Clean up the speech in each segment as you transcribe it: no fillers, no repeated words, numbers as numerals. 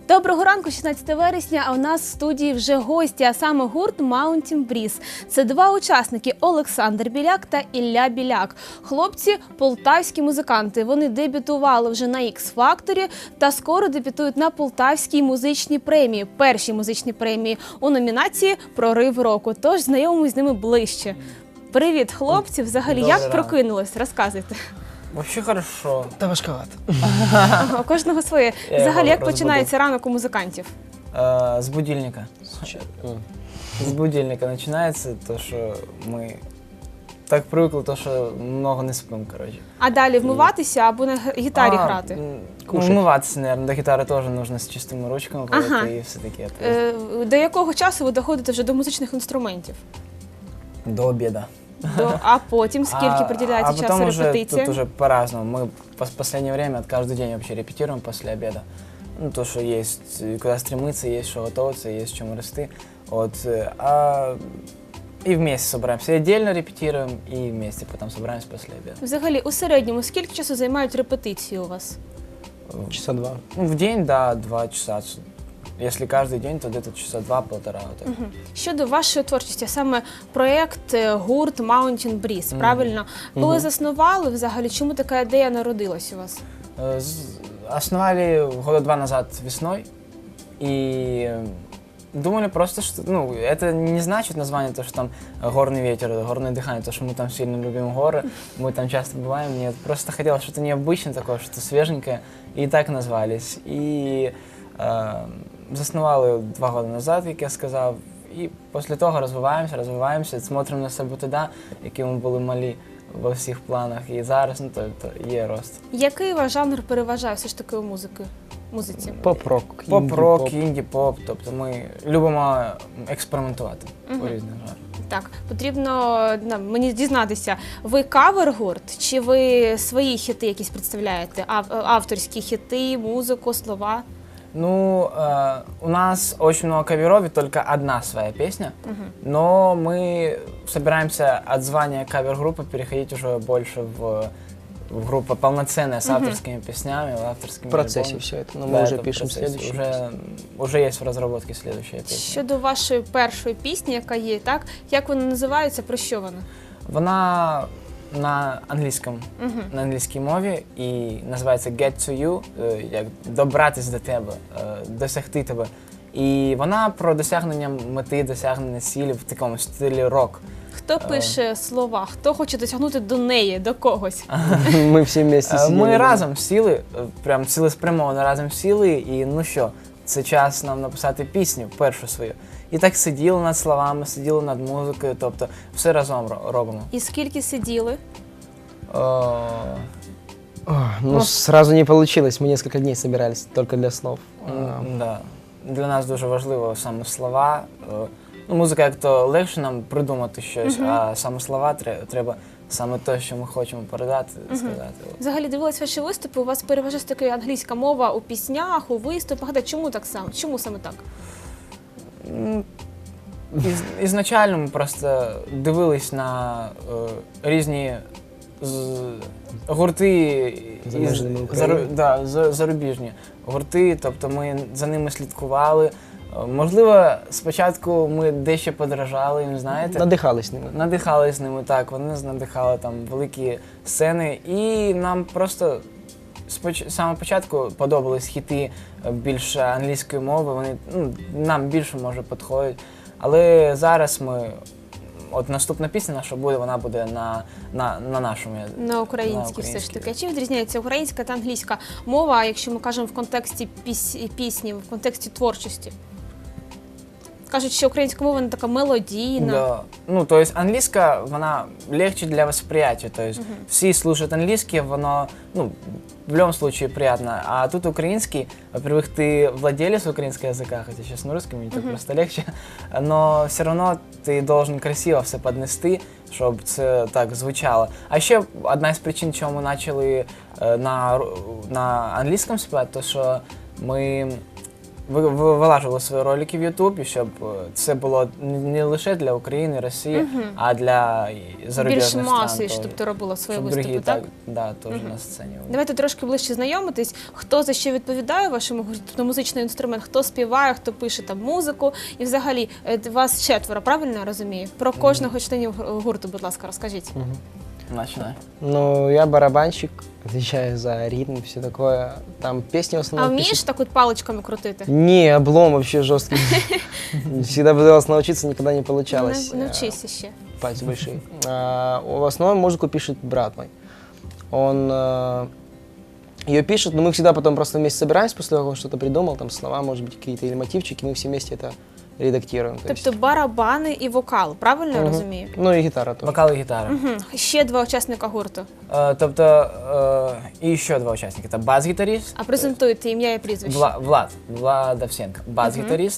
Доброго ранку, 16 вересня, а у нас в студії вже гості, а саме гурт Mountain Breeze. Це два учасники – Олександр Біляк та Ілля Біляк. Хлопці – полтавські музиканти. Вони дебютували вже на X-Factor та скоро дебютують на Полтавській музичній премії, першій музичній премії у номінації «Прорив року». Тож знайомимось з ними ближче. Привіт, хлопці! Взагалі, як прокинулись? Розказуйте. Вообще хорошо. Та важковато. У кожного своє. Взагалі, як починається ранок у музикантів? С будильника. С будильника начинается то, что мы так привыкли, то, что много не спим, короче. А далі вмиватися або на гітарі грати? Умываться, наверное, до гитары тоже нужно с чистыми ручками, и все-таки это. До якого часу ви доходите вже до музичних інструментів? До обеда. А потім скільки приділяється часу репетиціям? Тут уже по-разному. Мы в последнее время каждый день вообще репетируем после обеда. Ну, то, что есть куда стремиться, есть что готовиться, есть чему расти. Вот. И вместе собираемся. И отдельно репетируем, и вместе потом собираемся после обеда. Взагалі, у середньому, скільки часу займають репетиції у вас? Часа два. Ну, в день, да, 2 часа. Если каждый день, то где-то часа 2-1,5. Вот так. Щодо вашої творчості, саме проєкт, гурт Mountain Breeze, правильно? Коли заснували, взагалі, чому така ідея народилась у вас? Основали года 2 назад весной. И думали просто, что, ну, это не значит название, то, что там горный ветер, горное дыхание, то, что мы там сильно любим горы, мы там часто бываем. Нет, просто хотелось что-то необычное такое, что-то свеженькое, и так назвались. И заснували 2 роки назад, як я сказав, і після того розвиваємося, смотримо на себе туди, які ми були малі во всіх планах, і зараз, ну, то є рост. Який ваш жанр переважає все ж таки у музиці? Поп-рок. Поп-рок, інді-поп, тобто ми любимо експериментувати у різних жанрах. Так, потрібно мені дізнатися, ви кавер-гурт, чи ви свої хіти якісь представляєте? Авторські хіти, музику, слова? Ну, у нас очень много каверов, и только одна своя песня, но мы собираемся от звания кавер-группы переходить уже больше в группу полноценная с авторскими песнями, авторскими В процессе альбомами. все это, но Да, мы уже это в пишем процессе. следующий. Уже есть в разработке следующая песня. Щодо вашої першої пісні, яка є, так? Як вона називається, про що вона? Вона на англійській мові і називається Get to You, як добратись до тебе, досягти тебе. І вона про досягнення мети, досягнення цілі в такому стилі рок. Хто пише слова? Хто хоче досягнути до неї, до когось? Мы все вместе сидели. Ми разом сіли, прям цілеспрямовано разом сіли, і ну що, це час нам написати пісню, першу свою. І так сиділи над словами, сиділи над музикою, тобто все разом робимо. І скільки сиділи? Ну, сразу не получилось, мы несколько дней собирались только для снов. Да. Для нас дуже важливо саме слова. Ну, музика як-то легше нам придумати щось, а саме слова треба саме те, що ми хочемо передати, сказати. Взагалі, дивилась ваші виступи, у вас переважає така англійська мова у піснях, у виступах. Чому так само? Чому саме так? Ізначально ми просто дивились на різні гурти, зарубіжні гурти, тобто ми за ними слідкували. Можливо, спочатку ми дещо подражали їм, знаєте. Надихались ними. Надихались ними, так. Вони нас надихали, там, великі сцени. І нам просто з самого початку подобались хіти більше англійської мови. Вони нам більше, може, підходять. Але зараз ми... От наступна пісня наша буде, вона буде на нашому язиці. На українській все ж таки. А чим відрізняється українська та англійська мова, якщо ми кажемо в контексті пісні, в контексті творчості? Кажуть, що українська мова не така мелодійна. Да. Ну, то есть английская, вона легче для восприятия. То есть все слушают английский, воно, ну, в любом случае приятно. А тут украинский, во-первых, ты владелец украинского языка, хотя сейчас на русском, мне так просто легче, но все равно ты должен красиво все поднести, щоб це так звучало. А ще одна із причин, чому ми почали на англійському співати, то що ми вилажували свої ролики в YouTube, щоб це було не лише для України, Росії, а для зарубіжних Більш стран. маси, теж. щоб ти робила свої Щоб виступи, другі так? Да, теж на сцені. Давайте трошки ближче знайомитись. Хто за що відповідає в вашому гурті? Тобто музичний інструмент, хто співає, хто пише там музику. І взагалі вас 4, правильно я розумію? Про кожного членів гурту, будь ласка, розкажіть. Начинай. Ну, я барабанщик, отвечаю за ритм, все такое. Там песни в А основном вмієш пишут. так от паличками крутити? Не, облом вообще жесткий. Всегда пыталась научиться, никогда не получалось. Навчися ще. Пальцы большие. В основном музыку пишет брат мой. Он ее пишет, но мы всегда потом просто вместе собираемся после того, как он что-то придумал, там слова, может быть, какие-то или мотивчики, мы все вместе это редактируем. То есть. Тобто барабани і вокал, правильно я Мгм. розумію? Ну и гитара тоже. Вокал і гітара. Ще 2 учасника гурту. Тобто, і ще 2 учасники. Це бас-гітаріст, А презентуйте ім'я і прізвище. Влад Овсенко, бас-гітаріст,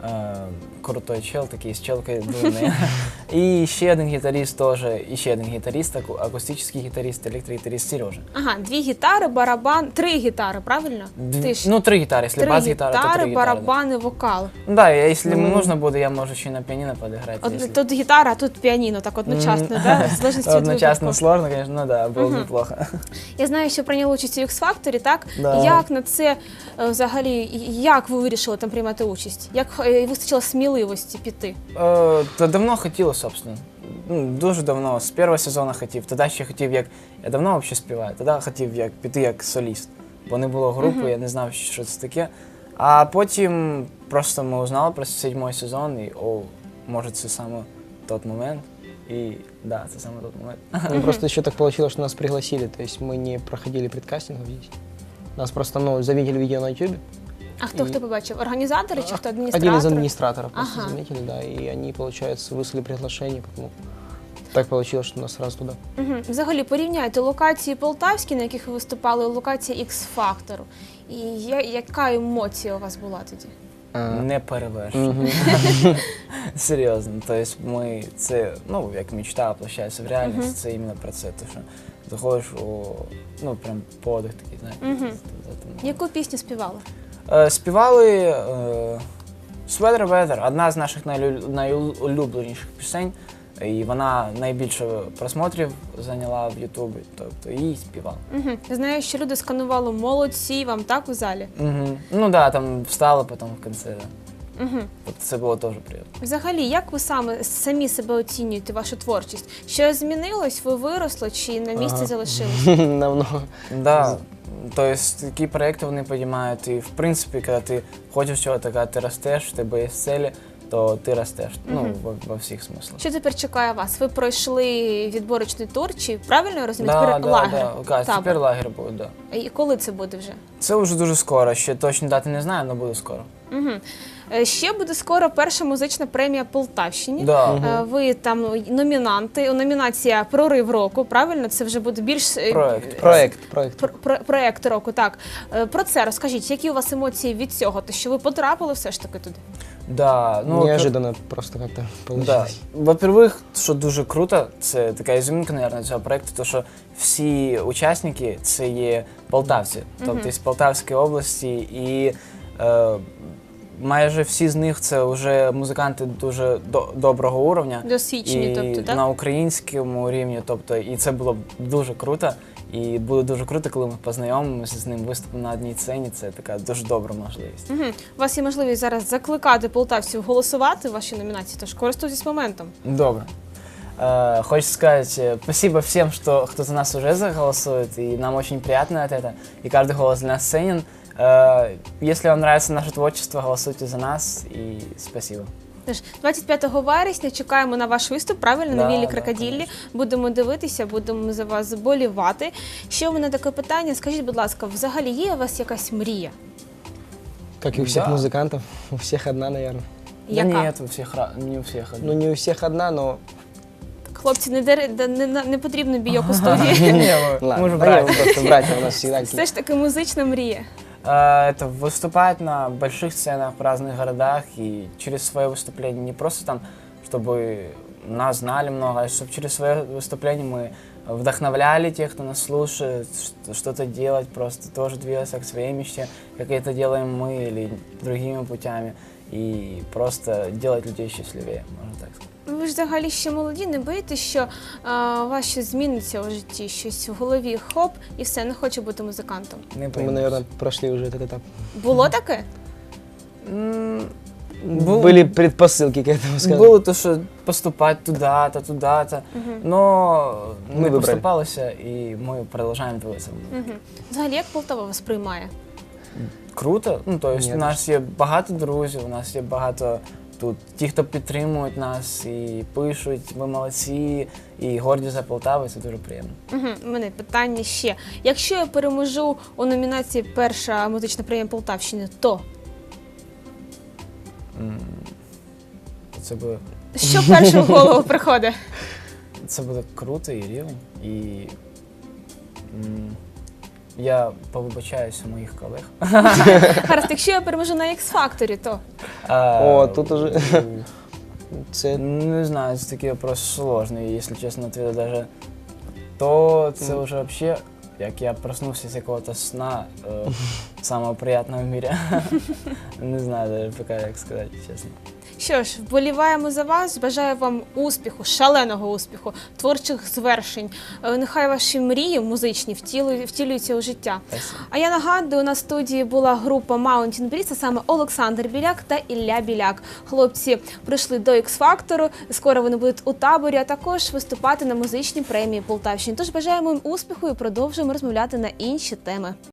крутой чел, такий з челкою дурний. І ще один гітаріст теж, і ще один гітаріст, акустичний гітаріст, електрогітаріст Сережа. Ага, 2 гітари, барабан, 3 гітари, правильно? Ти ж- Ну, 3 гітари, якщо 3 бас-гітара, то 3 гітари, гітари. барабани, вокал. Да, якщо нужно буде, я можу ще на піаніно підіграти. От, тут гітара, а тут піаніно, так одночасно, да? В залежності від Одночасно випадку. сложно, звісно, ну да, було б неплохо. Я знаю, що прийняли участь у X-Factor, так? Да. Як на це взагалі, як ви вирішили там приймати участь? Як вистачило сміливості піти? Та давно хотіло, собственно. Ну, дуже давно, з першого сезону хотів. Тоді ще хотів, як... Я давно взагалі співаю, тоді хотів як, піти як соліст. Бо не було групи, я не знав, що це таке. А потім просто ми узнали про 7-й сезон, і може це саме той момент. І да, це саме той момент. Ну, просто еще так получилось, что нас пригласили, то есть мы не проходили предкастингов здесь. Нас просто, заметили видео на YouTube. А хто побачив? Організатори чи хто адміністратори? Один из администраторов просто Ага. заметили, да, и они, получается, выслали приглашение, потому так получилось, что нас сразу туда. Взагалі, порівняйте локації полтавські, на яких ви виступали, і локації X-Factor. І яка емоція у вас була тоді? Не перевершено. Серйозно. Тобто ми це, ну, як мечта воплощається в реальність, це іменно про це. Тому що заходиш у, ну, прям подих такий, знаєш. Яку пісню співали? Співали Sweater Weather, одна з наших найулюбленіших пісень, і вона найбільше просмотрів зайняла в Ютубі, тобто її співали. Знаю, що люди сканували молодці вам, так, у залі? Ну да, там встала потім в кінці. Да. Тобто це було теж приємно. Взагалі, як ви самі себе оцінюєте, вашу творчість? Що змінилось, ви виросли чи на місці залишились? Намного. Да. Тобто такі проекти вони підіймають, і в принципі, коли ти хочеш чогось, коли ти ростеш, в тебе є цілі, то ти ростеш, ну, во всіх смислах. Що тепер чекає вас? Ви пройшли відборочний тур, чи правильно я розумію? Да, Тепер лагер, да. табор. Тепер лагер буде, да. І коли це буде вже? Це вже дуже скоро, ще точно дати не знаю, але буде скоро. Ще буде скоро перша музична премія Полтавщині. Да. Ви там номінанти. Номінація «Прорив року», правильно? Це вже буде більш... Проект. Проект року, так. Про це розкажіть, які у вас емоції від цього? Те, що ви потрапили все ж таки туди? Да, ну, Неожиданно просто как-то Да. получилось. Во-первых, що дуже круто, це така ізюминка, мабуть, цього проєкту, то що всі учасники це є полтавці, тобто з Полтавської області, і майже всі з них це вже музиканти дуже доброго уровня. Досвідчені, і тобто, так? на українському рівні, тобто, і це було б дуже круто. І буде дуже круто, коли ми познайомимося з ним, виступимо на одній сцені, це така дуже добра можливість. У вас є можливість зараз закликати полтавців голосувати в вашій номінації, тож користуйтесь моментом. Добре. Хочу сказать спасибо всем, кто за нас уже заголосует, и нам очень приятно от этого, и каждый голос для нас ценен. Если вам нравится наше творчество, голосуйте за нас, и спасибо. Тож, 25 вересня чекаємо на ваш виступ, правильно, на Да, Віллі да, Крокоділлі. конечно. Будемо дивитися, будемо за вас болівати. Ще у мене таке питання, скажіть, будь ласка, взагалі є у вас якась мрія? Как и у всех Да. музыкантов, у всех одна, наверное. Яка? Да нет, не у всех. Ну, не у всех одна, но... Хлопці, не потрібно бійок у студії. Ладно, же да братья. не, мы просто братья у нас всегда. Все ж таки музична мрія. Это выступать на больших сценах в разных городах и через свое выступление не просто там, чтобы нас знали много, а чтобы через свое выступление мы вдохновляли тех, кто нас слушает, что-то делать, просто тоже двигаться к своей мечте, как это делаем мы или другими путями, и просто делать людей счастливее, можно так сказать. Ви ж взагалі ще молоді, не боїтесь, що у вас щось зміниться у житті, щось в голові, хоп, і все, не хочу бути музикантом. Не Мы, боюсь. наверное, прошли уже этот этап. Було таке? Были предпосылки к этому, скажем. Было то, что поступать туда-то, туда-то, но Мы не выбрали. поступалось, и мы продолжаем двигаться. Угу. Взагалі, як Полтава вас приймає? Круто. Ну, то есть Ні, у нас є багато друзів, у нас є багато тут ті, хто підтримують нас і пишуть, ми молодці, і горді за Полтаву, це дуже приємно. Угу. У мене питання ще. Якщо я переможу у номінації «Перша музична премія Полтавщини», то Це буде, що перше в голову приходить? це буде круто і рівень. І я повибачаюся у моїх колег. Гаразд, якщо я переможу на X-Factor, то О, тут уже- Це Не знаю, це такий вопрос сложний, якщо чесно, ответа даже. То це вже вообще, як я проснувся з якогось сна, самого приятного в мире. Не знаю даже пока, як сказати, чесно. що ж, вболіваємо за вас, бажаю вам успіху, шаленого успіху, творчих звершень. Нехай ваші мрії музичні втілюються у життя. Спасибо. А я нагадую, у нас в студії була група Mountain Breeze, а саме Олександр Біляк та Ілля Біляк. Хлопці прийшли до X-Factor, скоро вони будуть у таборі, а також виступати на музичній премії Полтавщини. Тож бажаємо їм успіху і продовжуємо розмовляти на інші теми.